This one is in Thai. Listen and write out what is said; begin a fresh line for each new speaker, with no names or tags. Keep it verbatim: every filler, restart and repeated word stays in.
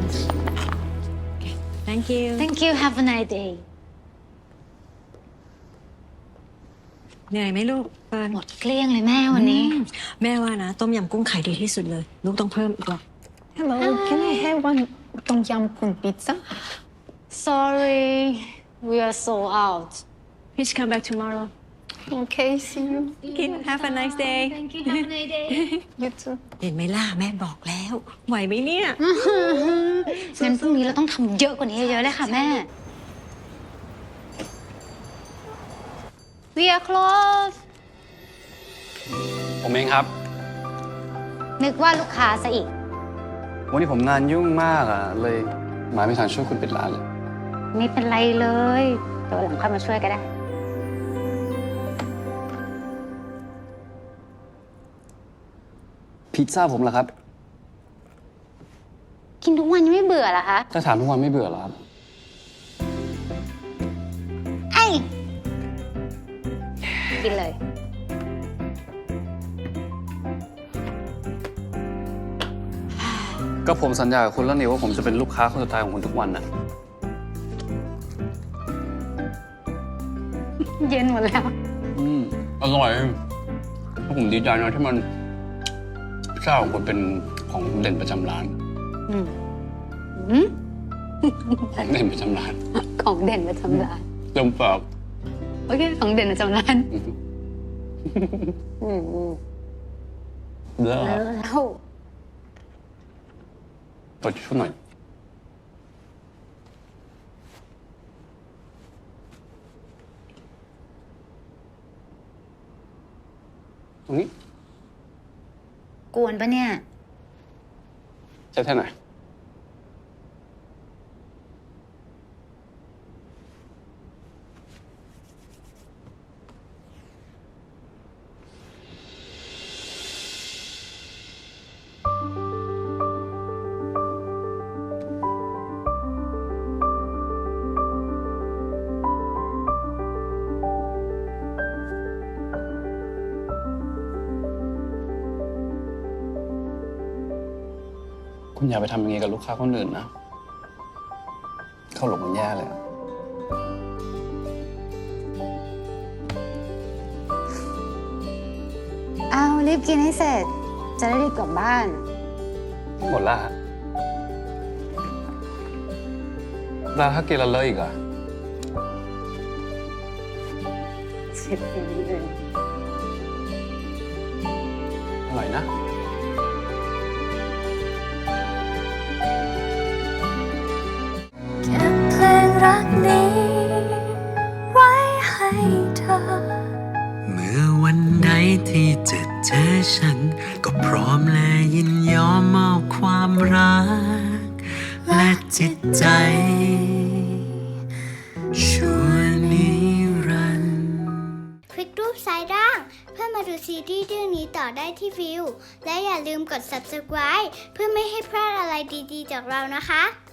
Thank you
Thank you have a nice day
เหนื่อยไหมลูกเฟิร์น
หมดเกลี้ยงเลยแม่วันนี้
แม่ว่านะต้มยำกุ้งขายดีที่สุดเลยลูกต้องเพิ่มอีกหรอก
Hello, can I have one tom yum con pizza?
Sorry we are sold out
Please come back tomorrow
Okay, see you.
Okay have a nice day
Thank you have a nice day
You too.
เห็นไหมล่ะแม่บอกแล้ว ไหวไหมเนี่ย
งั้นพรุ่งนี้เราต้องทำเยอะกว่านี้เยอะๆเลยค่ะแม่ We are close
ผมเองครับ
นึกว่าลูกค้าซะอีก
วันนี้ผมงานยุ่งมากอ่ะ เลยมาไม่ทันช่วยคุณปิดร้านเลย
ไม่เป็นไรเลยเดี๋ยวหลังค่อยมาช่วยก็ได้
พิซซ่าผมเหรอครับ
กินทุกวันยังไม่เบื่อเหรอคะ
ถ้าถามทุกวันไม่เบื่อเหรอครับ
ไอ้กินเลย
ก็ผมสัญญากับคุณแล้วนี่ว่าผมจะเป็นลูกค้าคนสุดท้ายของคุณทุกวันนะ
เย็นหมดแล้ว
อืมอร่อยแล้วผมดีใจนะที่มันพิซซ่าของคุณเป็นของเด่นประจำร้าน
อืมอืม
ของเด่นประจำร้าน
ของเด่นประจำร้าน
เริ่มปาก
โอเค ของเด่นประจำร้าน
อืม
อืมอืม
เลิศ
แล้วแล้ว
ตัวช่วยหน่อยตรงนี้
กวนปะเนี่ย
ใช้แท่ไหนคุณอย่าไปทำอย่างนี้กับลูกค้าคนอื่นนะ เข้าหลงมันแย่เลยอะ
เอารีบกินให้เสร็จ จะได้รีบกลับบ้าน
หมดละฮะแล้วถ้ากินแล้วเลอะอีกอะ
เสร็จเองเลย
อร่อยนะ
เก็บเพลงรักนี้ไว้ให้เธอ
เมื่อวันใดที่จะเจอฉัน ก็พร้อมและยินยอมมอบความรัก และจิตใจชั่วนิรันดร์
คลิกรูปซ้ายล่าง เพื่อมาดูซีรีส์เรื่องนี้ต่อได้ที่วิว และอย่าลืมกด ซับสไครบ์ เพื่อไม่ให้พลาดอะไรดีๆจากเรานะคะ